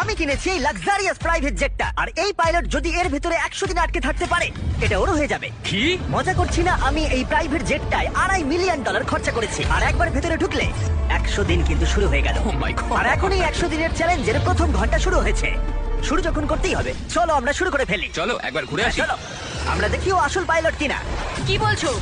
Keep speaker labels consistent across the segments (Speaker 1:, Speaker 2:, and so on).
Speaker 1: আমি কিনেছি এই লাক্সারিয়াস প্রাইভেট জেটটা, আর এই পাইলট যদি এর ভিতরে 100 দিন আটকে থাকতে পারে এটা ওর হয়ে যাবে।
Speaker 2: কি?
Speaker 1: মজা করছি না, আমি এই প্রাইভেট জেটটায় $2.5 মিলিয়ন খরচা করেছি, আর একবার ভেতরে ঢুকলে 100 দিন কিন্তু শুরু হয়ে গেল।
Speaker 2: Oh my God!
Speaker 1: আর এখন এই 100 দিনের চ্যালেঞ্জের প্রথম ঘন্টা শুরু হয়েছে। শুরু যখন করতেই হবে, চলো আমরা শুরু করে ফেলি।
Speaker 2: চলো একবার ঘুরে আসি।
Speaker 1: চলো আমরা দেখি ও আসল পাইলট কিনা।
Speaker 3: কি বলছো?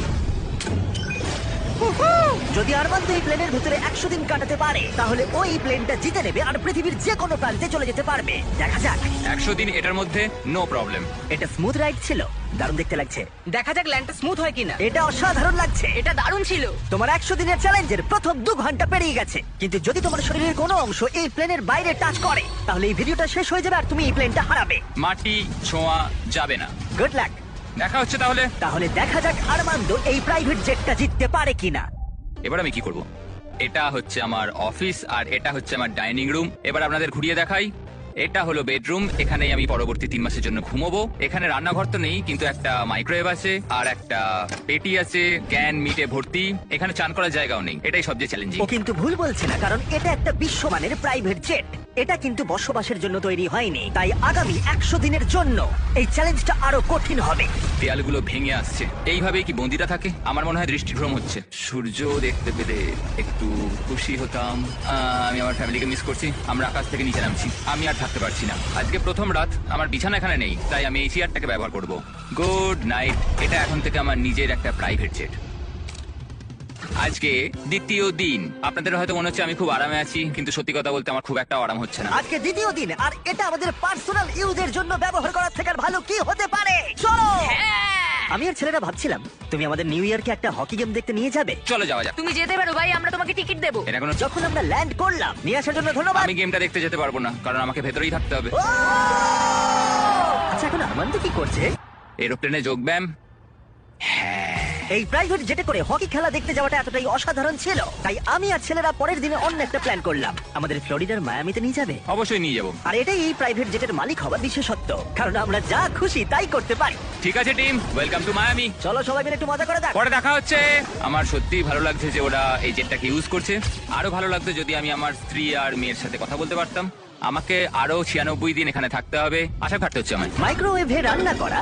Speaker 1: যদি আরমান্দ এই প্লেনের ভিতরে 100 দিন কাটাতে পারে তাহলে ওই প্লেনটা জিতে নেবে আর পৃথিবীর যে কোনো প্রান্তে চলে যেতে পারবে। দেখা যাক।
Speaker 2: 100 দিন এটার মধ্যে নো প্রবলেম।
Speaker 1: এটা স্মুথ রাইড ছিল, দারুণ দেখতে লাগছে।
Speaker 3: দেখা যাক ল্যান্ডটা স্মুথ হয় কিনা।
Speaker 1: এটা অসাধারণ লাগছে।
Speaker 3: এটা দারুণ ছিল।
Speaker 1: তোমার 100 দিনের চ্যালেঞ্জের প্রথম 2 ঘন্টা পেরিয়ে গেছে, কিন্তু যদি তোমার শরীরের কোনো অংশ এই প্লেনের বাইরে টাচ করে তাহলে এই ভিডিওটা শেষ হয়ে যাবে আর তুমি এই প্লেনটা হারাবে।
Speaker 2: মাটি ছোঁয়া যাবে না।
Speaker 1: Good luck.
Speaker 2: দেখা হচ্ছে তাহলে।
Speaker 1: তাহলে দেখা যাক আরমান্দ এই প্রাইভেট জেটটা জিততে পারে কিনা।
Speaker 2: এবার আমি কি করব? এটা হচ্ছে আমার অফিস আর এটা হচ্ছে আমার ডাইনিং রুম। এবার আপনাদের ঘুরিয়ে দেখাই। এটা হলো বেডরুম, এখানেই আমি পরবর্তী 3 মাসের জন্য ঘুমোবো। এখানে রান্নাঘর তো নেই, কিন্তু একটা মাইক্রোওয়েভ আছে আর একটা পেটি আছে ক্যান মিটে ভর্তি। এখানে চান করার জায়গাও নেই, এটাই সবচেয়ে চ্যালেঞ্জিং।
Speaker 1: ও কিন্তু ভুল বলছে না, কারণ এটা একটা বিশ্বমানের প্রাইভেট জেট। এটা কিন্তু বসবাসের জন্য তৈরি হয়নি, তাই আগামী 100 দিনের জন্য এই চ্যালেঞ্জটা আরো কঠিন হবে।
Speaker 2: দেয়ালগুলো ভেঙে আসছে। এইভাবেই কি বন্দিরা থাকে? আমার মনে হয় দৃষ্টিভ্রম হচ্ছে। সূর্য দেখতে পেলে একটু খুশি হতাম। আমি আমার ফ্যামিলিকে মিস করছি। আমরা আকাশ থেকে নিচে নামছি, আমি আর থাকতে পারছি না। আজকে প্রথম রাত, আমার বিছানা এখানে নেই, তাই আমি এই চেয়ারটাকে ব্যবহার করব। Good night. এটা এখন থেকে আমার নিজের একটা প্রাইভেট জেট। আজকে দ্বিতীয় দিন। আপনাদের হয়তো মনে হচ্ছে আমি খুব আরামে আছি, কিন্তু সত্যি কথা বলতে আমার খুব একটা আরাম হচ্ছে না।
Speaker 1: আজকে দ্বিতীয় দিন, আর এটা আমাদের পার্সোনাল ইউজের জন্য ব্যবহার করার থেকে আর ভালো কি হতে পারে। চলো। আমি আর ছেলেরা ভাবছিলাম তুমি আমাদের নিউ ইয়ারকে একটা হকি গেম দেখতে নিয়ে যাবে।
Speaker 2: চলো যাওয়া যাক।
Speaker 3: তুমি যেতে পারো ভাই, আমরা তোমাকে টিকিট দেবো।
Speaker 2: এটা কোনো
Speaker 1: যখন আমরা ল্যান্ড করলাম, নিয়ে আসার জন্য ধন্যবাদ।
Speaker 2: আমি গেমটা দেখতে যেতে পারবো না, কারণ আমাকে ভেতরেই থাকতে হবে।
Speaker 1: ও! আচ্ছা এখন আরমান্দ কি করছে?
Speaker 2: এরোপ্লেনে যোগব্যায়াম।
Speaker 1: এই প্রাইভেট জেটে করে হকি খেলা দেখতে যাওয়াটা এতটাই অসাধারণ ছিল, তাই আমি আর ছেলেরা পরের দিনে অন্য একটা প্ল্যান করলাম। আমাদের ফ্লোরিডার মায়ামিতে নিয়ে যাবে।
Speaker 2: অবশ্যই নিয়ে যাবো।
Speaker 1: আর এটাই এই প্রাইভেট জেটের মালিক হওয়ার বিশেষত্ব, কারণ আমরা যা খুশি তাই করতে পারি।
Speaker 2: ঠিক আছে টিম, ওয়েলকাম টু মায়ামি।
Speaker 1: চলো সবাই মিলে একটু মজা করে দেখ।
Speaker 2: পরে দেখা হচ্ছে। আমার সত্যিই ভালো লাগছে যে ওরা এই জেটটাকে ইউজ করছে। আরো ভালো লাগতো যদি আমি আমার স্ত্রী আর মেয়ের সাথে কথা বলতে পারতাম। আমাকে আরো 96 দিন এখানে থাকতে হবে, আশা ঘাটতে হচ্ছে আমার।
Speaker 1: মাইক্রোওয়েভে রান্না করা,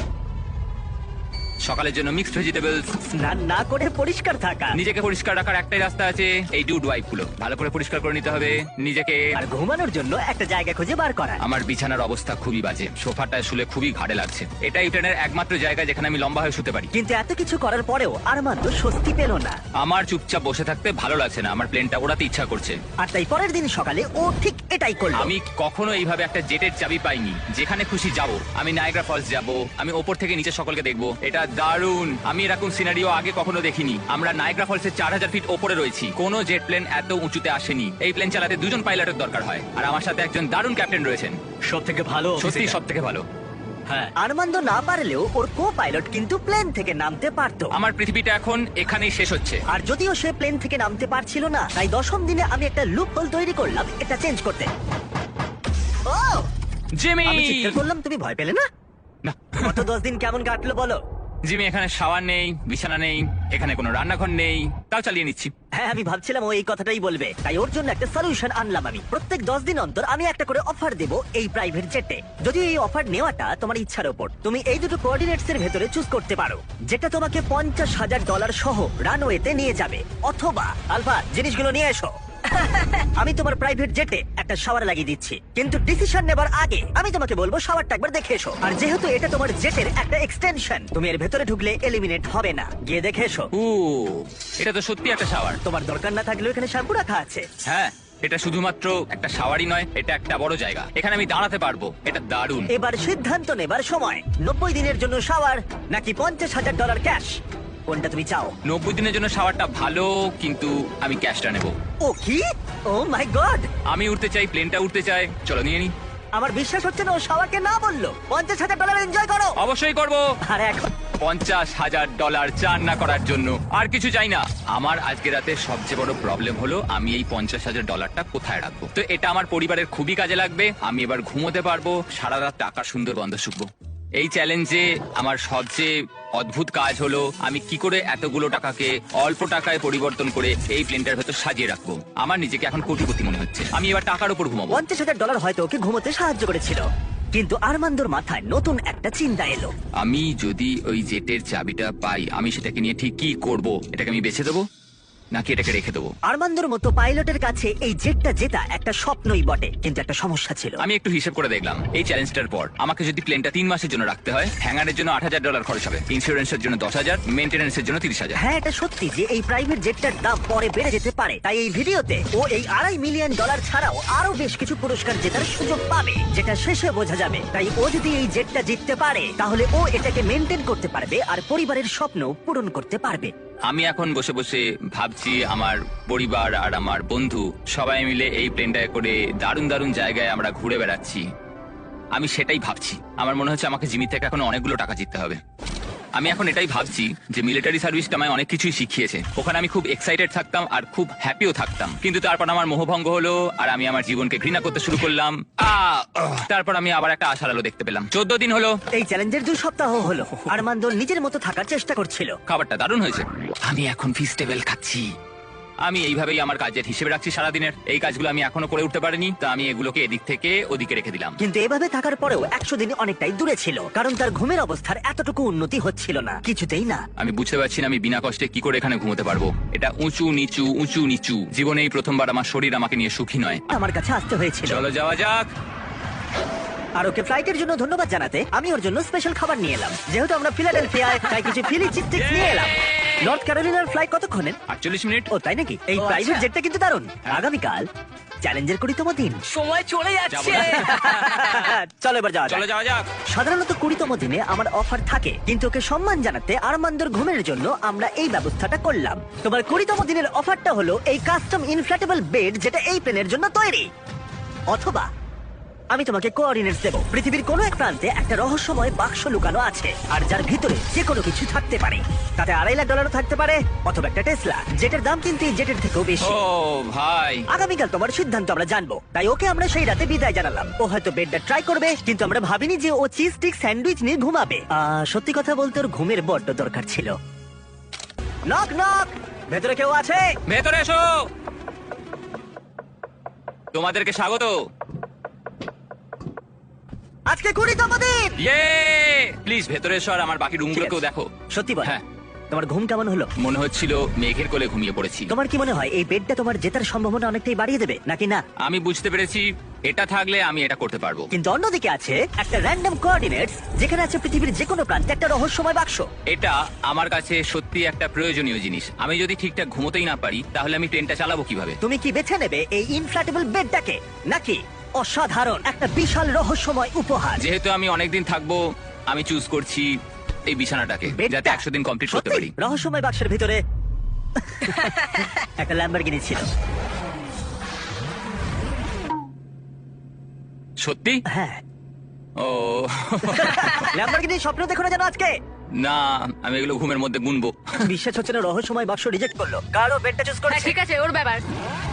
Speaker 2: সকালের জন্য মিক্সড ভেজিটেবলস,
Speaker 1: স্নান না করে পরিষ্কার থাকা,
Speaker 2: নিজেকে পরিষ্কার রাখার একটাই রাস্তা আছে, এই ডুড ওয়াইপ গুলো ভালো করে পরিষ্কার করে নিতে হবে নিজেকে।
Speaker 1: আর ঘুমানোর জন্য একটা জায়গা খুঁজে বার করা।
Speaker 2: আমার বিছানার অবস্থা খুবই বাজে, সোফাটায় শুলে খুবই ঘাড়ে লাগছে। এটাই ট্রেনের একমাত্র জায়গা যেখানে আমি লম্বা হয়ে শুতে পারি।
Speaker 1: কিন্তু এত কিছু করার পরেও আরমান্দ স্বস্তি পেল না।
Speaker 2: আমার চুপচাপ বসে থাকতে ভালো লাগছে না, আমার প্লেনটা ওড়াতে ইচ্ছা করছে।
Speaker 1: আর তাই পরের দিন সকালে ও ঠিক এটাই করলো।
Speaker 2: আমি কখনো এইভাবে একটা জেটের চাবি পাইনি, যেখানে খুশি যাব। আমি নায়াগ্রা ফলস যাব, আমি ওপর থেকে নিচে সকলকে দেখবো। এটা দারুণ, আমি এরকম সিনারিও আগে কখনো দেখিনি। আমরা নায়াগ্রা ফলসের 4000 ফিট ওপরে রয়েছি, কোনো জেট প্লেন এত উঁচুতে আসেনি। এই প্লেন চালাতে 2 জন পাইলটের দরকার হয়, আর আমার সাথে একজন দারুণ ক্যাপ্টেন রয়েছেন।
Speaker 1: সব থেকে ভালো,
Speaker 2: সত্যি সব থেকে ভালো। হ্যাঁ,
Speaker 1: আরমান্দ না পারলেও ওর কো পাইলট কিন্তু প্লেন থেকে নামতে পারতো।
Speaker 2: আমার পৃথিবীটা এখন এখানেই শেষ হচ্ছে।
Speaker 1: আর যদিও সে প্লেন থেকে নামতে পারছিল না, তাই 10ম দিনে আমি একটা লুপ হোল তৈরি করলাম এটা চেঞ্জ করতে। Oh
Speaker 2: Jimmy!
Speaker 1: আমি চিৎকার করলাম, তুমি ভয় পেলে না?
Speaker 2: না।
Speaker 1: গত 10 দিন কেমন কাটলো বলো?
Speaker 2: জিমি, এখানে শাওয়ার নেই, বিছানা নেই, এখানে কোনো রান্নাঘর নেই, তাও চালিয়ে নিচ্ছি।
Speaker 1: হ্যাঁ আমি ভাবছিলাম ও এই কথাটাই বলবে, তাই ওর জন্য একটা সলিউশন আনলাম আমি। প্রত্যেক 10 দিন অন্তর আমি একটা করে অফার দেব এই প্রাইভেট জেটে। যদিও এই অফার নেওয়াটা তোমার ইচ্ছার উপর, তুমি এই দুটো কোঅর্ডিনেটস এর ভেতরে চুজ করতে পারো, যেটা তোমাকে $50,000 সহ রানওয়েতে নিয়ে যাবে, অথবা আলফা জিনিসগুলো নিয়ে এসো। আমি তোমার প্রাইভেট জেটে একটা শাওয়ার লাগিয়ে দিচ্ছি, কিন্তু ডিসিশন নেবার আগে আমি তোমাকে বলবো শাওয়ারটা একবার দেখে এসো। আর যেহেতু এটা তোমার জেটের একটা এক্সটেনশন, তুমি এর ভেতরে ঢুকলে এলিমিনেট হবে না, গিয়ে দেখে এসো।
Speaker 2: ও, এটা তো সত্যি একটা শাওয়ার।
Speaker 1: তোমার দরকার না থাকলেও এখানে শ্যাম্পু রাখা আছে।
Speaker 2: হ্যাঁ, এটা শুধুমাত্র একটা শাওয়ারই নয়, এটা একটা বড় জায়গা, এখানে আমি দাঁড়াতে পারবো। এটা দারুণ।
Speaker 1: এবার সিদ্ধান্ত নেবার সময়, 90 দিনের জন্য শাওয়ার নাকি $50,000 ক্যাশ, কোনটা তুমি চাও?
Speaker 2: 90 দিনের জন্য শাওয়ারটা ভালো, কিন্তু আমি ক্যাশটা নেব।
Speaker 1: ও কি? Oh my god!
Speaker 2: আমি উঠতে চাই, প্লেনটা উঠতে চাই। চলো নিয়ে নি।
Speaker 1: আমার বিশ্বাস হচ্ছে না ও শাওয়ারকে না বললো। $50,000 এনজয় করো।
Speaker 2: অবশ্যই করব।
Speaker 1: আর এখন
Speaker 2: $50,000 চান না করার জন্য আর কিছু চাই না। আমার আজকে রাতে সবচেয়ে বড় প্রবলেম হলো আমি এই $50,000 কোথায় রাখবো। তো এটা আমার পরিবারের খুবই কাজে লাগবে। আমি এবার ঘুমোতে পারবো, সারা রাত টাকার সুন্দর গন্ধ শুকবো। এই চ্যালেঞ্জে আমার সবচেয়ে অদ্ভুত কাজ হলো আমি কি করে এতগুলো টাকাকে অল্প টাকায় পরিবর্তন করে এই প্লেনটার ভেতর সাজিয়ে রাখবো। আমার নিজেকে এখন কোটিপতি মনে হচ্ছে। আমি এবার টাকার উপর ঘুমাবো।
Speaker 1: $50,000 হয়তো ওকে ঘুমোতে সাহায্য করেছিল, কিন্তু আরমান্দোর মাথায় নতুন একটা চিন্তা এলো।
Speaker 2: আমি যদি ওই জেটের চাবিটা পাই, আমি সেটাকে নিয়ে ঠিক কি করব? এটাকে আমি বেছে দেবো নাকি এটাকে রেখে দেবো?
Speaker 1: আরমান্দোর মতো পাইলটের কাছে এই জেটটা জেতা একটা স্বপ্নই বটে, কিন্তু একটা সমস্যা ছিল।
Speaker 2: আমি একটু হিসেব করে দেখলাম, এই চ্যালেঞ্জটার পর আমাকে যদি প্লেনটা 3 মাসের জন্য রাখতে হয়, হ্যাঙ্গারের জন্য $8,000 খরচ হবে, ইন্স্যুরেন্সের জন্য 10,000, মেইনটেনেন্সের জন্য 30,000।
Speaker 1: হ্যাঁ, এটা সত্যি যে এই প্রাইভেট জেটটার দাম পরে বেড়ে যেতে পারে। তাই এই ভিডিওতে ও এই $2.5 মিলিয়ন ছাড়াও আরো বেশ কিছু পুরস্কার জেতার সুযোগ পাবে, যেটা শেষে বোঝা যাবে। তাই ও যদি এই জেটটা জিততে পারে, তাহলে ও এটাকে মেনটেন করতে পারবে আর পরিবারের স্বপ্ন পূরণ করতে পারবে।
Speaker 2: আমি এখন বসে বসে ভাবছি আমার পরিবার আর আমার বন্ধু সবাই মিলে এই প্লেনটায় করে দারুণ দারুণ জায়গায় আমরা ঘুরে বেড়াচ্ছি। আমি সেটাই ভাবছি। আমার মনে হচ্ছে আমাকে জিমি থেকে এখন অনেকগুলো টাকা জিততে হবে। আমি এখন এটাই ভাবছি যে মিলিটারি সার্ভিসটা আমায় অনেক কিছুই শিখিয়েছে। ওখানে আমি খুব এক্সাইটেড থাকতাম আর খুব হ্যাপিও থাকতাম, কিন্তু তারপর আমার মোহভঙ্গ হলো আর আমি আমার জীবনকে ঘৃণা করতে শুরু করলাম। তারপর আমি আবার একটা আশার আলো দেখতে পেলাম। 14 দিন হলো
Speaker 1: এই চ্যালেঞ্জের 2 সপ্তাহ হলো আরমান্দো নিজের মতো থাকার চেষ্টা করছিল।
Speaker 2: খাবারটা দারুণ হয়েছে। আমি এখন ফিস্টেবল খাচ্ছি। আমি এইভাবেই আমার কাজের হিসেবে রাখছি সারাদিনের। এই কাজগুলো আমি এখনো করে উঠতে পারিনি, তা আমি এগুলোকে এদিক থেকে ওদিকে রেখে দিলাম।
Speaker 1: কিন্তু এভাবে থাকার পরেও 100 দিন অনেকটাই দূরে ছিল, কারণ তার ঘুমের অবস্থার এতটুকু উন্নতি হচ্ছিল না, কিছুতেই না।
Speaker 2: আমি বুঝতে পারছি না আমি বিনা কষ্টে কি করে এখানে ঘুমোতে পারবো। এটা উঁচু নিচু উঁচু নিচু। জীবনে এই প্রথমবার আমার শরীর আমাকে নিয়ে সুখী নয়।
Speaker 1: আমার কাছে আসতে হয়েছিল।
Speaker 2: চলো যাওয়া যাক।
Speaker 1: আর ওকে ফ্লাইটের জন্য ধন্যবাদ জানাতে আমি ওর জন্য স্পেশাল খাবার নিয়ে এলাম। যেহেতু আমরা ফিলাডেলফিয়ায়, তাই কিছু ফিলি চিজ স্টিক্স নিয়ে এলাম। নর্থ ক্যারোলিনার ফ্লাইট কতক্ষণের?
Speaker 2: 48 মিনিট।
Speaker 1: ও তাই নাকি? এই প্রাইভেট জেটটা কিন্তু দারুণ। আগামীকাল চ্যালেঞ্জের 20তম দিন।
Speaker 3: সময় চলে যাচ্ছে।
Speaker 1: চলো এবার যাওয়া যাক।
Speaker 2: চলো যাওয়া যাক।
Speaker 1: সাধারণত 20তম দিনে আমার অফার থাকে, কিন্তু ওকে সম্মান জানাতে আরমান্দোর ঘুমের জন্য আমরা এই ব্যবস্থাটা করলাম। তোমার 20তম দিনের অফারটা হলো এই কাস্টম ইনফ্ল্যাটেবল বেড, যেটা এই প্লেনের জন্য তৈরি। অথবা আমি তোমাকে কোঅর্ডিনেটস দেবো। পৃথিবীর কোনো এক প্রান্তে একটা রহস্যময় বাক্স লুকানো আছে, আর যার ভিতরে যে কোনো কিছু থাকতে পারে। তাতে $2.5 লাখ থাকতে পারে, অথবা একটা টেসলা, যেটার দাম কিন্তু এই জেটের থেকেও বেশি।
Speaker 2: ও ভাই,
Speaker 1: আগামীকাল তোমার সিদ্ধান্ত আমরা জানবো। তাই ওকে আমরা সেই রাতে বিদায় জানালাম। ও হয়তো বেডটা ট্রাই করবে, কিন্তু আমরা ভাবিনি যে ও চিজ স্টিক স্যান্ডউইচ নিয়ে ঘুমাবে। সত্যি কথা বলতে ওর ঘুমের বড্ড দরকার ছিল। নক নক, ভেতরে কেউ আছে?
Speaker 2: ভেতরে এসো। তোমাদেরকে স্বাগত।
Speaker 1: আজকে 20তম দিন।
Speaker 2: ইয়ে, প্লিজ ভেতরে এসো আর আমার বাকি রুমগুলোকেও দেখো।
Speaker 1: সত্যি বল,
Speaker 2: হ্যাঁ।
Speaker 1: তোমার ঘুম কেমন হলো?
Speaker 2: মনে হচ্ছিল মেঘের কোলে ঘুমিয়ে পড়েছি।
Speaker 1: তোমার কি মনে হয় এই বেডটা তোমার জেতার সম্ভাবনা অনেকটাই বাড়িয়ে দেবে নাকি না?
Speaker 2: আমি বুঝতে পেরেছি এটা থাকলে আমি এটা করতে পারবো।
Speaker 1: কিন্তু অন্যদিকে আছে একটা র্যান্ডম কোঅর্ডিনেটস, যেখানে আছে পৃথিবীর যে কোনো প্রান্তে একটা রহস্যময় বাক্স।
Speaker 2: এটা আমার কাছে সত্যি একটা প্রয়োজনীয় জিনিস। আমি যদি ঠিকঠাক ঘুমোতেই না পারি, তাহলে আমি ট্রেনটা চালাবো কিভাবে?
Speaker 1: তুমি কি বেছে নেবে এই ইনফ্ল্যাটেবল বেডটাকে, নাকি অসাধারণ একটা বিশাল রহস্যময় উপহার?
Speaker 2: যেহেতু আমি অনেকদিন থাকবো, আমি চুজ করছি এই বিছানাটাকে,
Speaker 1: বেডটা?
Speaker 2: যাতে 100 দিন কমপ্লিট করতে
Speaker 1: সত্যি?
Speaker 2: পারি।
Speaker 1: রহস্যময় বাক্সের ভিতরে একটা ল্যাম্বরগিনি ছিল।
Speaker 2: সত্যি?
Speaker 1: হ্যাঁ,
Speaker 2: ও
Speaker 1: ল্যাম্বরগিনি স্বপ্ন দেখো না যেন আজকে।
Speaker 2: না, আমি এগুলো ঘুমের মধ্যে গুনবো।
Speaker 1: বিশ্বাস হচ্ছে না, রহস্যময় বাক্স রিজেক্ট করলো। কারো বেডটা চুজ
Speaker 3: হ্যাঁ
Speaker 1: করেছে।
Speaker 3: ঠিক আছে, ওর ব্যাপার।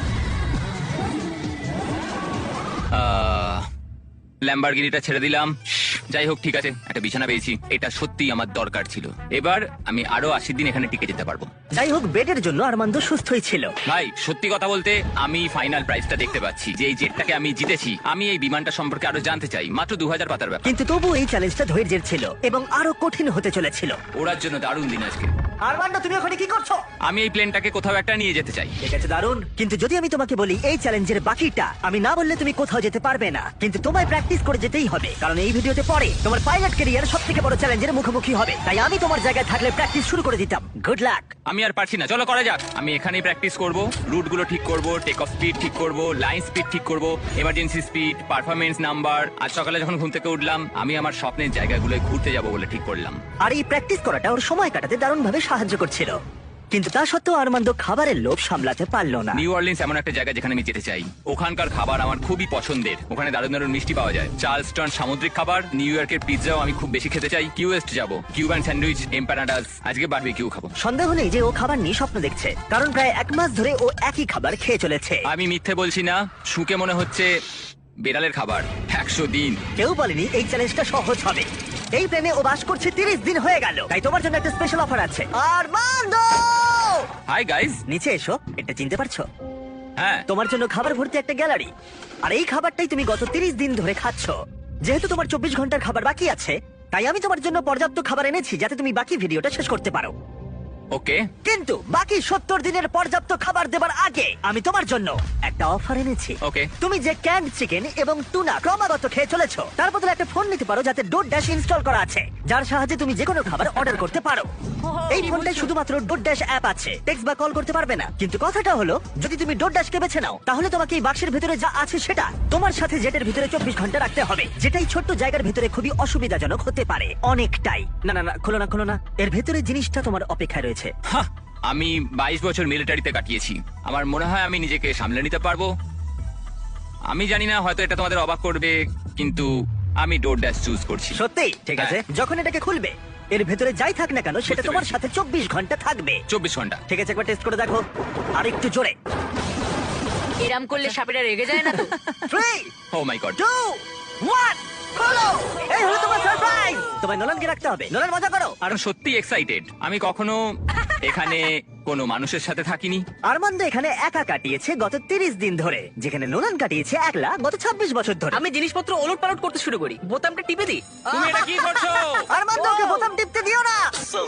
Speaker 2: ল্যাম্বরগিনিটা ছেড়ে দিলাম। যাই হোক, ঠিক আছে, একটা বিছানা পেয়েছি। এটা সত্যি আমার দরকার ছিল। এবার আমি আরো 80 দিন এখানে টিকে যেতে পারবো।
Speaker 1: যাই হোক, বেডের জন্য আরমান্দো সুস্থই ছিল।
Speaker 2: ভাই, সত্যি কথা বলতে আমি ফাইনাল প্রাইসটা দেখতে পাচ্ছি যে এই জেটটাকে আমি জিতেছি। আমি এই বিমানটা সম্পর্কে আরো জানতে চাই। মাত্র 2000 পাতার ব্যাপার।
Speaker 1: কিন্তু তবু এই চ্যালেঞ্জটা ধৈর্যের ছিল এবং আরো কঠিন হতে চলেছিল।
Speaker 2: ওড়ার জন্য দারুণ দিন আজকে।
Speaker 1: আরমান্দো, তুমি ওখানে কি করছো?
Speaker 2: আমি এই প্লেনটাকে কোথাও একটা নিয়ে যেতে চাই।
Speaker 1: ঠিক আছে, দারুণ। কিন্তু যদি আমি তোমাকে বলি এই চ্যালেঞ্জের বাকিটা, আমি না বললে তুমি কোথাও যেতে পারবে না। কিন্তু তোমায় প্র্যাকটিস করে যেতেই হবে, কারণ এই ভিডিওতে পরে তোমার পাইলট ক্যারিয়ার সবথেকে বড় চ্যালেঞ্জের মুখোমুখি হবে। তাই আমি তোমার জায়গায় থাকলে প্র্যাকটিস শুরু করে দিতাম। Good luck.
Speaker 2: আমি আর পারছি না, চলো করা যাক। আমি এখানেই প্র্যাকটিস করব, রুটগুলো ঠিক করব, টেক অফ স্পিড ঠিক করব, লাইন স্পিড ঠিক করব, এমার্জেন্সি স্পিড, পারফরমেন্স নাম্বার। আজ সকালে যখন ঘুম থেকে উঠলাম, আমি আমার স্বপ্নের জায়গাগুলোয় ঘুরতে যাব বলে ঠিক করলাম।
Speaker 1: আর এই প্র্যাকটিস করাটা ওর সময় কাটাতে দারুণভাবে সাহায্য করছিল। কিন্তু তা সত্ত্বেও আরমান্দো খাবারের লোভ সামলাতে পারলো না।
Speaker 2: নিউ অরলিন্স এমন একটা জায়গা যেখানে আমি যেতে চাই। ওখানকার খাবার আমার খুবই পছন্দের। ওখানে দারুণ দারুণ মিষ্টি পাওয়া যায়, চার্লস্টন সামুদ্রিক খাবার, নিউ ইয়র্কের পিৎজাও আমি খুব বেশি খেতে চাই। কিউএস্ট যাব, কিউবান স্যান্ডউইচ, এম্পানাডাস, আজকে বারবিকিউ খাবো।
Speaker 1: সন্দেহ নেই যে ও খাবার নিয়ে স্বপ্ন দেখছে, কারণ প্রায় 1 মাস ধরে ও একই খাবার খেয়ে চলেছে।
Speaker 2: আমি মিথ্যে বলছি না, শুকে মনে হচ্ছে বেড়ালের খাবার। 100 দিন।
Speaker 1: কেউ বলেনি এই চ্যালেঞ্জটা সহজ হবে। এই প্লেনে ও বাস করছে 30 দিন হয়ে গেল, তাই তোমার জন্য একটা স্পেশাল অফার আছে। Armando,
Speaker 2: hi guys.
Speaker 1: নিচে এসো। এটা চিনতে পারছো?
Speaker 2: হ্যাঁ,
Speaker 1: তোমার জন্য খাবার ভর্তি একটা গ্যালারি, আর এই খাবারটাই তুমি গত 30 দিন ধরে খাচ্ছ। যেহেতু তোমার 24 ঘন্টার খাবার বাকি আছে, তাই আমি তোমার জন্য পর্যাপ্ত খাবার এনেছি যাতে তুমি বাকি ভিডিওটা শেষ করতে পারো।
Speaker 2: ওকে।
Speaker 1: কিন্তু বাকি 70 দিনের পর্যাপ্ত খাবার দেবার আগে আমি তোমার জন্য একটা অফার এনেছি।
Speaker 2: Okay.
Speaker 1: তুমি যে ক্যান্ড চিকেন এবং টুনা ক্রমাগত খেয়ে চলেছো, তার বদলে একটা ফোন নিতে পারো যাতে ডোরড্যাশ ইনস্টল করা আছে, যার সাহায্যে তুমি যে কোনো খাবার অর্ডার করতে পারো। এই ফোনটায় শুধুমাত্র ডোরড্যাশ অ্যাপ আছে, টেক্সট বা কল করতে পারবে না। কিন্তু কথাটা হলো, যদি তুমি ডোরড্যাশকে বেছে নাও, তাহলে তোমাকে এই বাক্সের ভিতরে যা আছে সেটা তোমার সাথে জেটের ভিতরে 24 ঘন্টা রাখতে হবে, যেটাই ছোট্ট জায়গার ভিতরে খুবই অসুবিধাজনক হতে পারে অনেকটাই। না না না, খোলো না খোলো না, এর ভেতরে জিনিসটা তোমার অপেক্ষায় রয়েছে।
Speaker 2: হাহ, আমি 22 বছর মিলিটারিতে কাটিয়েছি। আমার মনে হয় আমি নিজেকে সামলে নিতে পারবো। আমি জানি না, হয়তো এটা তোমাদের অবাক করবে, কিন্তু আমি ডোরড্যাশ চুজ করছি।
Speaker 1: সত্যি? ঠিক আছে, যখন এটাকে খুলবে এর ভেতরে যাই থাক না কেন সেটা
Speaker 2: বুঝতে
Speaker 1: তোমার
Speaker 2: পেরেছি।
Speaker 1: সাথে 24 ঘন্টা থাকবে।
Speaker 2: 24 ঘন্টা।
Speaker 1: ঠিক আছে, একবার টেস্ট করে দেখো, আর একটু জোরে।
Speaker 3: এরম করলে সাপেরা রেগে যায় না তো?
Speaker 1: 3
Speaker 2: ও মাই গড।
Speaker 1: 2 1 খোলো। এই হলো তোমার সারপ্রাইজ। তোমায় নোলানকে রাখতে হবে। নোলান, মজা করো।
Speaker 2: আর সত্যি এক্সাইটেড। আমি কখনো এখানে কোনো মানুষের সাথে থাকিনি।
Speaker 1: আরমান্দ এখানে একা কাটিয়েছে গত 30 দিন ধরে, যেখানে নোলান কাটিয়েছে একলা গত 26 বছর ধরে।
Speaker 4: আমি জিনিসপত্র ওলট পালট করতে শুরু করি, বোতামটা টিপে দিই।
Speaker 2: তুমি এটা কি করছো?
Speaker 1: আরমান্দকে বোতাম টিপতে দিও না।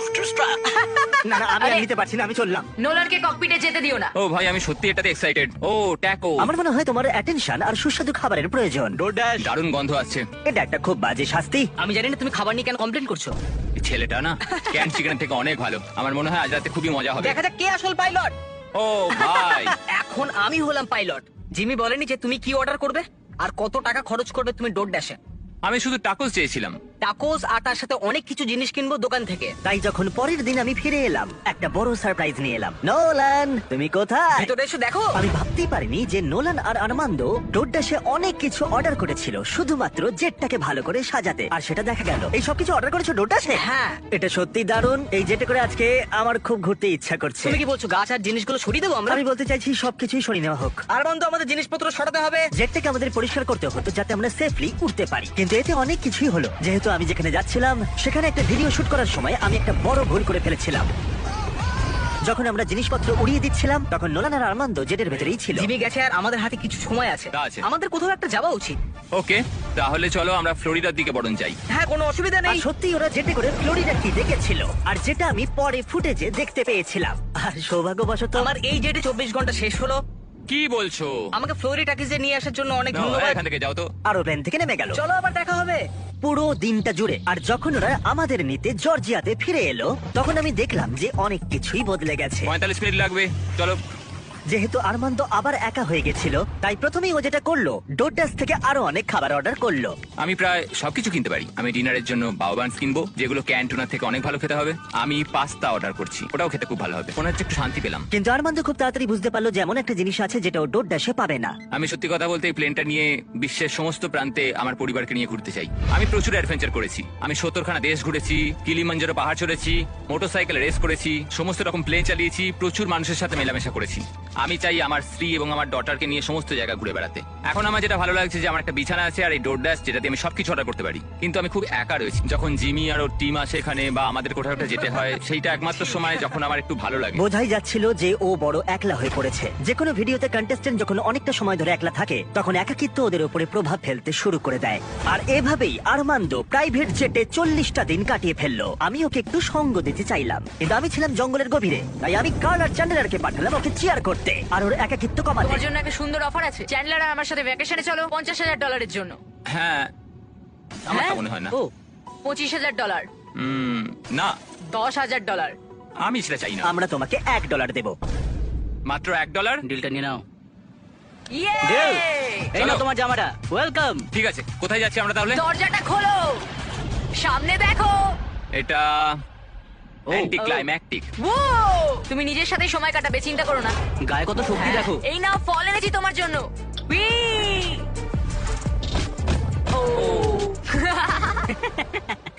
Speaker 1: না না, আমি আর নিতে পারছি না, আমি চললাম।
Speaker 3: নোলানকে ককপিটে যেতে দিও না।
Speaker 2: ও ভাই, আমি সত্যি এটাতে এক্সাইটেড। ও ট্যাকো।
Speaker 1: আমার মনে হয় তোমার অ্যাটেনশন আর সুস্বাদু খাবারের প্রয়োজন।
Speaker 2: দারুণ গন্ধ আসছে।
Speaker 1: এটা একটা খুব বাজে শাস্তি।
Speaker 4: আমি জানি না তুমি খাবার নিয়ে কেন কমপ্লেন করছো।
Speaker 2: এই ছেলেটা না ক্যান চিকেনের থেকে অনেক ভালো। আমার মনে হয় আজ রাতে খুবই মজা হবে।
Speaker 4: দেখা যাক কে আসল পাইলট।
Speaker 2: ও ভাই,
Speaker 4: এখন আমি হলাম পাইলট। জিমি বলেনি যে তুমি কি অর্ডার করবে আর কত টাকা খরচ করবে তুমি ডোরড্যাশে।
Speaker 2: আমি শুধু টাকোস চেয়েছিলাম।
Speaker 4: টাকোস আর তার সাথে অনেক কিছু জিনিস কিনবো দোকান থেকে।
Speaker 1: তাই যখন পরের দিন আমি ফিরে এলাম, একটা বড় সারপ্রাইজ নিয়ে এলাম। নোলান, তুমি কোথায়?
Speaker 4: ভেতরে এসে দেখো।
Speaker 1: আমি ভাবতেই পারিনি যে নোলান আর আরমান্দ ডোরড্যাশে অনেক কিছু অর্ডার করেছিল শুধুমাত্র জেটটাকে ভালো করে সাজাতে, আর সেটা দেখা গেল। এই সব কিছু অর্ডার করেছো ডোরড্যাশে?
Speaker 4: হ্যাঁ।
Speaker 1: এটা সত্যি দারুণ। এই জেটে করে আজকে আমার খুব ঘুরতে ইচ্ছা করছে।
Speaker 4: তুমি কি বলছো গাছ আর জিনিসগুলো সরিয়ে দেবো আমরা?
Speaker 1: আমি বলতে চাইছি সবকিছুই সরিয়ে নেওয়া হোক।
Speaker 4: আর বন্ধু, আমাদের জিনিসপত্র সরাতে হবে।
Speaker 1: জেটটাকে আমাদের পরিষ্কার করতে হতো যাতে আমরা সেফলি উঠতে পারি, কিন্তু এতে অনেক কিছুই হলো। যেহেতু আমি যেখানে যাচ্ছিলাম সেখানে একটা ভিডিও শুট করার সময় আমি একটা বড় ভুল করে ফেলেছিলাম। যখন আমরা জিনিসপত্র উড়িয়ে দিচ্ছিলাম তখন নোলান আর আরমান্দ জেটের ভেতরেই ছিল।
Speaker 4: জিমি গেছে আর আমাদের হাতে কিছু সময় আছে।
Speaker 2: তা আছে।
Speaker 4: আমাদের কোথাও একটা যাওয়া উচিত।
Speaker 2: ওকে, তাহলে চলো আমরা ফ্লোরিডার দিকে বরং যাই।
Speaker 4: হ্যাঁ, কোনো অসুবিধা
Speaker 1: আর
Speaker 4: নেই।
Speaker 1: সত্যি ওরা জেটে করে ফ্লোরিডা কি দেখেছিল, আর যেটা আমি পরে ফুটেজে দেখতে পেয়েছিলাম। আর সৌভাগ্যবশত
Speaker 4: আমার এই জেটে 24 ঘন্টা শেষ হলো।
Speaker 2: কি বলছো?
Speaker 4: আমাকে ফ্লোরিডাকে নিয়ে আসার জন্য অনেক
Speaker 2: নাও,
Speaker 4: ধন্যবাদ।
Speaker 2: এখান থেকে যাও তো।
Speaker 1: আরো প্লেন থেকে নেমে গেল।
Speaker 4: চলো আবার দেখা হবে।
Speaker 1: পুরো দিনটা জুড়ে। আর যখন ওরা আমাদের নিতে জর্জিয়াতে ফিরে এলো তখন আমি দেখলাম যে অনেক কিছুই বদলে গেছে।
Speaker 2: 45 মিনিট লাগবে, চলো।
Speaker 1: যেহেতু আরমান্দ আবার একা হয়ে গেছিল, তাই প্রথমেই ও যেটা করলো ডোরড্যাশ থেকে আরো অনেক খাবার অর্ডার করলো।
Speaker 2: আমি প্রায় সবকিছু কিনতে পারি। আমি ডিনারের জন্য বাউবান্স কিনবো, যেগুলো ক্যান্টুনার থেকে অনেক ভালো খেতে হবে। আমি পাস্তা অর্ডার করছি, ওটাও খেতে খুব ভালো হবে। মনে হচ্ছে একটু শান্তি পেলাম।
Speaker 1: কিন্তু আরমান্দ খুব তাড়াতাড়ি বুঝতে পারলো যে এমন একটা জিনিস আছে যেটা ও ডোরড্যাশে পাবে না।
Speaker 2: আমি সত্যি কথা বলতে এই প্লেনটা নিয়ে বিশ্বের সমস্ত প্রান্তে আমার পরিবারকে নিয়ে ঘুরতে চাই। আমি প্রচুর অ্যাডভেঞ্চার করেছি। আমি 70খানা দেশ ঘুরেছি, কিলিমাঞ্জারো পাহাড় চড়েছি, মোটরসাইকেল রেস করেছি, সমস্ত রকম প্লেন চালিয়েছি, প্রচুর মানুষের সাথে মেলামেশা করেছি। আমি চাই আমার স্ত্রী এবং আমার ডটারকে নিয়ে সমস্ত জায়গা ঘুরে বেড়াতে। এখন আমার যেটা ভালো লাগছে যে আমার একটা বিছানা আছে আর এই ডোরড্যাশ, যেটাতে আমি সবকিছু অর্ডার করতে পারি। কিন্তু আমি খুব একা রয়েছি। যখন জিমি আর ওর টিম আসে এখানে বা আমাদের কোথাও একটা যেতে হয়, সেইটা একমাত্র সময় যখন আমার একটু ভালো লাগে।
Speaker 1: বোঝাই যাচ্ছিল যে ও বড় একলা হয়ে পড়েছে। যে কোনো ভিডিওতে কন্টেস্টেন্ট যখন অনেকটা সময় ধরে একলা থাকে তখন একাকিত্ব ওদের উপরে প্রভাব ফেলতে শুরু করে দেয়। আর এভাবেই আরমান্দ প্রাইভেট জেটে 40টা দিন কাটিয়ে ফেললো। আমি ওকে একটু সঙ্গ দিতে চাইলাম, কিন্তু আমি ছিলাম জঙ্গলের গভীরে, তাই আমি কার্ল আর চ্যান্ডেলারকে পাঠালাম ওকে চিয়ার করতে আর ওর একাকিত্ব কমাতে।
Speaker 3: তোমার জন্য একটা সুন্দর অফার আছে। চ্যান্ডলার আর আমার সাথে ভ্যাকেশনে চলো $50,000 জন্য।
Speaker 2: হ্যাঁ, আমার তা
Speaker 3: হ্যাঁ?
Speaker 2: মনে হয় না।
Speaker 4: ও,
Speaker 3: $25,000,
Speaker 2: না,
Speaker 3: $10,000।
Speaker 2: আমি সেটা চাই না।
Speaker 1: আমরা তোমাকে $1 দেব।
Speaker 2: মাত্র $1?
Speaker 4: ডিলটা নিয়ে নাও।
Speaker 3: ইয়ে!
Speaker 4: এই নাও তোমার জামাটা। ওয়েলকাম।
Speaker 2: ঠিক আছে, কোথায় যাচ্ছি আমরা তাহলে?
Speaker 3: দরজাটা খোলো, সামনে দেখো।
Speaker 2: এটা অ্যান্টি ক্লাইম্যাকটিক।
Speaker 3: ও, তুমি নিজের সাথে সময় কাটাবে, চিন্তা করো না।
Speaker 4: গায়ে কত শক্তি
Speaker 3: হ্যাঁ,
Speaker 4: দেখো।
Speaker 3: এই নাও ফল এনেছি তোমার জন্য। উই! ও।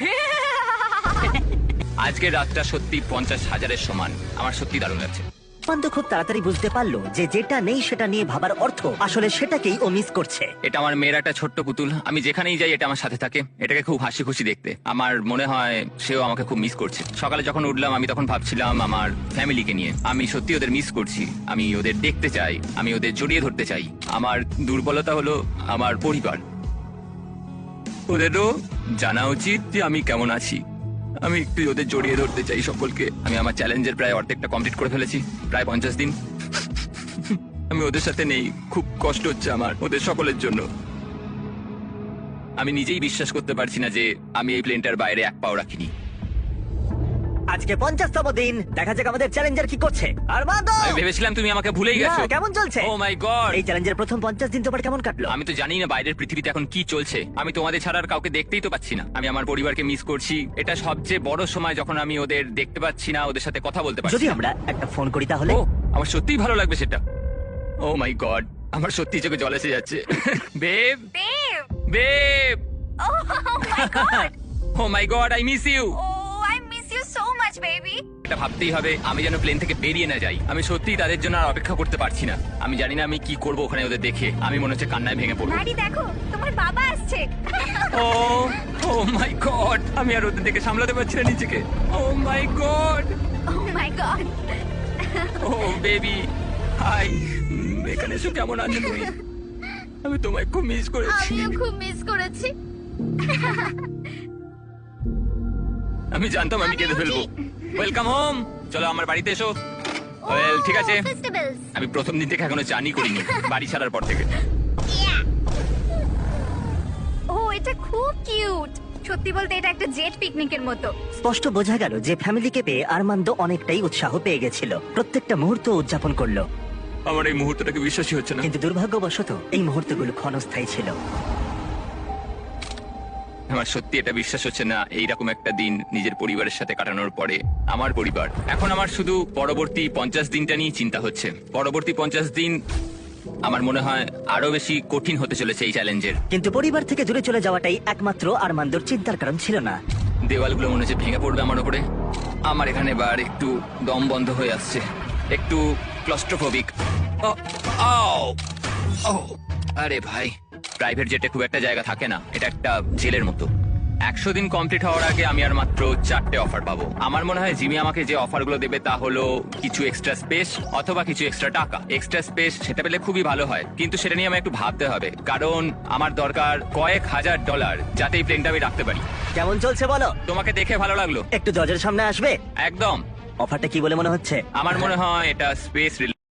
Speaker 2: আজকের রাতটা সত্যি 50,000-এর সমান। আমার সত্যি দারুণ লাগছে।
Speaker 1: আরমান্দ খুব তাড়াতাড়ি বুঝতে পারলো যে যেটা নেই সেটা নিয়ে ভাবার অর্থ আসলে সেটাকেই ও মিস করছে।
Speaker 2: এটা আমার মেয়ের একটা ছোট্ট পুতুল, আমি যেখানেই যাই এটা আমার সাথে থাকে। এটাকে খুব হাসি খুশি দেখতে। আমার মনে হয় সেও আমাকে খুব মিস করছে। সকালে যখন উঠলাম আমি তখন ভাবছিলাম আমার ফ্যামিলিকে নিয়ে। আমি সত্যি ওদের মিস করছি, আমি ওদের দেখতে চাই, আমি ওদের জড়িয়ে ধরতে চাই। আমার দুর্বলতা হলো আমার পরিবার। ওদেরও জানা উচিত যে আমি কেমন আছি। আমি একটু ওদের জড়িয়ে ধরতে চাই সকলকে। আমি আমার চ্যালেঞ্জের প্রায় অর্ধেকটা কমপ্লিট করে ফেলেছি, প্রায় 50 দিন। আমি ওদের সাথে নেই, খুব কষ্ট হচ্ছে আমার ওদের সকলের জন্য। আমি নিজেই বিশ্বাস করতে পারছি না যে আমি এই প্লেনটার বাইরে এক পাও রাখিনি।
Speaker 1: আজকে 50তম দিন, দেখা যাক আমাদের চ্যালেঞ্জার কি করছে। আরমান্দ,
Speaker 2: আমি ভেবেছিলাম তুমি আমাকে ভুলেই গেছো।
Speaker 1: না, কেমন চলছে?
Speaker 2: ও মাই গড,
Speaker 1: এই চ্যালেঞ্জের প্রথম 50 দিন তোমার কেমন কাটলো?
Speaker 2: আমি তো জানি না বাইরের পৃথিবীতে এখন কি চলছে। আমি তোমাদের ছাড়া আর কাউকে দেখতেই তো পাচ্ছি না। আমি আমার পরিবারকে মিস করছি। এটা সবচেয়ে বড় সময় যখন আমি ওদের দেখতে পাচ্ছি না, ওদের সাথে কথা বলতে পারছি
Speaker 1: যদি
Speaker 2: না।
Speaker 1: আমরা একটা ফোন করি তাহলে?
Speaker 2: ও, আমার সত্যিই ভালো লাগবে সেটা। ও মাই গড, আমার সত্যি চোখে জল এসে যাচ্ছে। Babe,
Speaker 3: Dev
Speaker 2: babe,
Speaker 3: oh my god
Speaker 2: oh my god, I miss you.
Speaker 3: Oh I miss you so much baby.
Speaker 2: এটা ভাবতেই হবে আমি যেন প্লেন থেকে বেরিয়ে না যাই। আমি সত্যিই তাদের জন্য আর অপেক্ষা করতে পারছি না। আমি জানি না আমি কি করব ওখানে ওদের দেখে। আমি মনে হচ্ছে কান্নায় ভেঙে পড়বো।
Speaker 3: ম্যাডি দেখো, তোমার বাবা আসছে।
Speaker 2: ও ও মাই গড, আমি আর ওদের দেখে সামলাতে পারছি না নিজেকে। Oh my god,
Speaker 3: oh my god.
Speaker 2: Oh baby, hi. এখানে এসো, কেমন আছো তুমি? আমি তোমায় খুব মিস করেছি।
Speaker 3: আমিও খুব মিস করেছি।
Speaker 2: আমি জানতাম আমি কেঁদে ফেলবো। ওয়েলকাম হোম, চলো আমার বাড়িতে এসো। ওয়েল, ঠিক আছে।
Speaker 3: ফেস্টিভ্যালস।
Speaker 2: আমি প্রথম দিন থেকে এখনো চানই করিনি, বাড়ি ছাড়ার পর থেকে।
Speaker 3: ও এটা খুব কিউট। সত্যি বলতে এটা একটা জেট পিকনিকের মতো।
Speaker 1: স্পষ্ট বোঝা গেল যে ফ্যামিলিকে পেয়ে আরমান্দ অনেকটাই উৎসাহ পেয়ে গেছিল। প্রত্যেকটা মুহূর্ত উদযাপন করলো।
Speaker 2: আমার এই মুহূর্তটাকে বিশ্বাসই হচ্ছে না।
Speaker 1: কিন্তু দুর্ভাগ্যবশত এই মুহূর্তগুলো ক্ষণস্থায়ী ছিল।
Speaker 2: আমার সত্যি এটা বিশ্বাস হচ্ছে না, এইরকম একটা দিন নিজের পরিবারের সাথে কাটানোর পরে। আমার পরিবার। এখন আমার শুধু পরবর্তী 50 দিনটা নিয়ে চিন্তা হচ্ছে। পরবর্তী 50 দিন আমার মনে হয় আরো বেশি কঠিন হতে চলেছে এই চ্যালেঞ্জের।
Speaker 1: কিন্তু পরিবার থেকে দূরে চলে যাওয়াটাই একমাত্র আরমান্দর চিন্তার কারণ ছিল না।
Speaker 2: দেওয়ালগুলো মনে হচ্ছে ভেঙে পড়বে আমার উপরে। আমার এখানে এবার একটু দম বন্ধ হয়ে আসছে, একটু ক্লস্ট্রোফোবিক। আরে ভাই, প্রাইভেট জেটে খুব একটা জায়গা থাকে না, এটা একটা জেলের মতো। 100 দিন কমপ্লিট হওয়ার আগে আমি আর মাত্র 4টে অফার পাবো। আমার মনে হয় জিমি আমাকে যে অফারগুলো দেবে তা হলো কিছু এক্সট্রা স্পেস অথবা কিছু এক্সট্রা টাকা। এক্সট্রা স্পেস সেটা পেলে খুবই ভালো হয়, কিন্তু সেটা নিয়ে আমায় একটু ভাবতে হবে, কারণ আমার দরকার কয়েক হাজার ডলার যাতে এই প্লেনটা আমি রাখতে পারি।
Speaker 1: কেমন চলছে বলো?
Speaker 2: তোমাকে দেখে ভালো লাগলো।
Speaker 1: একটু দরজার সামনে আসবে?
Speaker 2: একদম।
Speaker 1: অফারটা কি বলে মনে হচ্ছে?
Speaker 2: আমার মনে হয় এটা স্পেস